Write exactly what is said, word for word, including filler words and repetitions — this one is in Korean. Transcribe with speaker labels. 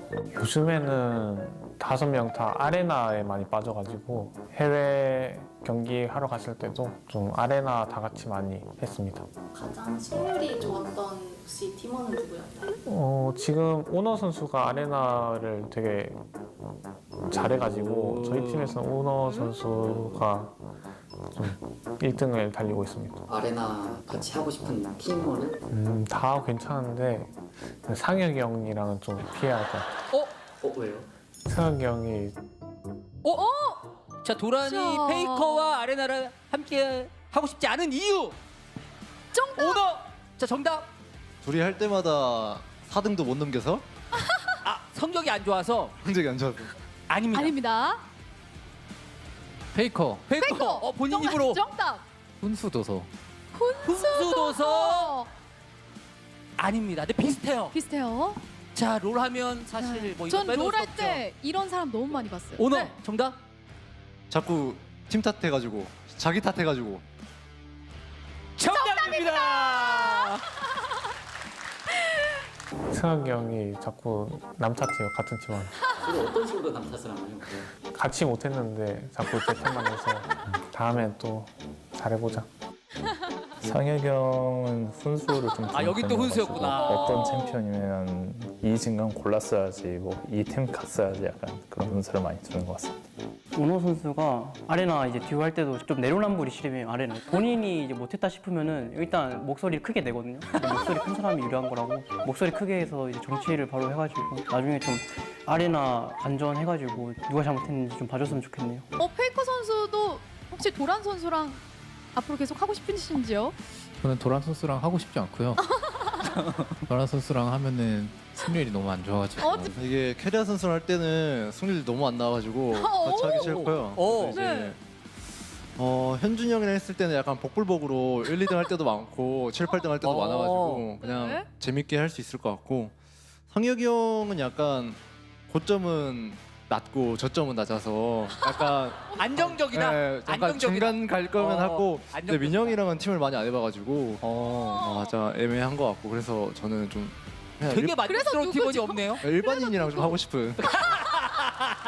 Speaker 1: 요즘에는 다섯 명 다 아레나에 많이 빠져가지고 해외 경기 하러 갔을 때도 좀 아레나 다 같이 많이 했습니다.
Speaker 2: 가장 승률이 좋았던 혹시 팀원은 누구였나요?
Speaker 1: 어, 지금 오너 선수가 아레나를 되게 잘해가지고 저희 팀에서는 오너 선수가 좀 일 등을 달리고 있습니다.
Speaker 3: 아레나 같이 하고 싶은 팀원은?
Speaker 1: 음, 다 괜찮은데 상혁이 형이랑은 좀 피해야 할 것 같아요.
Speaker 4: 어?
Speaker 3: 어 왜요?
Speaker 1: 상혁이 형이
Speaker 4: 어? 자, 도란이
Speaker 5: 자.
Speaker 4: 페이커와 아레나를 함께 하고 싶지 않은 이유.
Speaker 5: 정답!
Speaker 4: 오너. 자, 정답.
Speaker 6: 둘이 할 때마다 사 등도 못 넘겨서
Speaker 4: 아, 성적이 안 좋아서.
Speaker 6: 성적이 안 좋아서.
Speaker 4: 아닙니다.
Speaker 5: 아닙니다.
Speaker 7: 페이커,
Speaker 4: 페이커.
Speaker 5: 페이커!
Speaker 4: 어, 본인
Speaker 5: 정답,
Speaker 4: 입으로.
Speaker 5: 정답!
Speaker 7: 훈수도서.
Speaker 4: 훈수도서.
Speaker 5: 어,
Speaker 4: 아닙니다. 근데 비슷해요.
Speaker 5: 비슷해요.
Speaker 4: 자, 롤 하면 사실 뭐 이거
Speaker 5: 전
Speaker 4: 빼놓을 수
Speaker 5: 롤 할
Speaker 4: 없죠.
Speaker 5: 때 이런 사람 너무 많이 봤어요.
Speaker 4: 오너.
Speaker 5: 네.
Speaker 4: 정답.
Speaker 6: 자꾸 팀 탓해가지고 자기 탓해가지고
Speaker 4: 정답입니다.
Speaker 1: 상혁이 형이 자꾸 남 탓해요. 같은 팀원.
Speaker 3: 그게 어떤 식으로 남 탓을 하나요? 그래.
Speaker 1: 같이 못했는데 자꾸 제 탓만 해서 다음에 또 잘해보자.
Speaker 8: 상혁이 형은 훈수를 좀
Speaker 4: 아, 여기 또
Speaker 8: 두는
Speaker 4: 훈수였구나.
Speaker 8: 편이어가지고 어떤 챔피언이면 이 진강 골랐어야지 뭐 이 팀 갔어야지 약간 그런 훈수를 많이 두는 것 같습니다.
Speaker 9: 오너 선수가 아레나 이제 듀오 할 때도 좀 내로남불이 심해요. 아레나 본인이 이제 못했다 싶으면은 일단 목소리를 크게 내거든요. 근데 목소리 큰 사람이 유리한 거라고 목소리 크게 해서 이제 정치를 바로 해가지고 나중에 좀 아레나 간전해가지고 누가 잘못했는지 좀 봐줬으면 좋겠네요.
Speaker 5: 어, 페이커 선수도 혹시 도란 선수랑 앞으로 계속 하고 싶으신지요?
Speaker 7: 저는 도란 선수랑 하고 싶지 않고요. 도란 선수랑 하면은 승률이 너무 안 좋아가지고.
Speaker 5: 어,
Speaker 6: 이게 캐리아 선수 할 때는 승률이 너무 안 나와가지고 같이 하기 싫고요.
Speaker 4: 오.
Speaker 6: 그래서 이제
Speaker 5: 네.
Speaker 6: 어, 현준이 형이랑 했을 때는 약간 복불복으로 일, 이 등 할 때도 많고 칠, 팔 등 할 때도
Speaker 4: 어.
Speaker 6: 많아가지고 그냥
Speaker 5: 네.
Speaker 6: 재밌게 할 수 있을 것 같고 상혁이 형은 약간 고점은 낮고 저점은 낮아서 약간
Speaker 4: 안정적이다.
Speaker 6: 네, 약간
Speaker 4: 안정적이다.
Speaker 6: 중간 갈 거면
Speaker 4: 어,
Speaker 6: 하고 근데
Speaker 4: 안정적이다.
Speaker 6: 민영이랑은 팀을 많이 안 해봐가지고
Speaker 4: 어.
Speaker 6: 맞아 애매한 것 같고 그래서 저는 좀 그냥
Speaker 4: 되게
Speaker 6: 일,
Speaker 4: 만족스러운 팀원이 없네요.
Speaker 6: 일반인이랑 좀 하고 싶은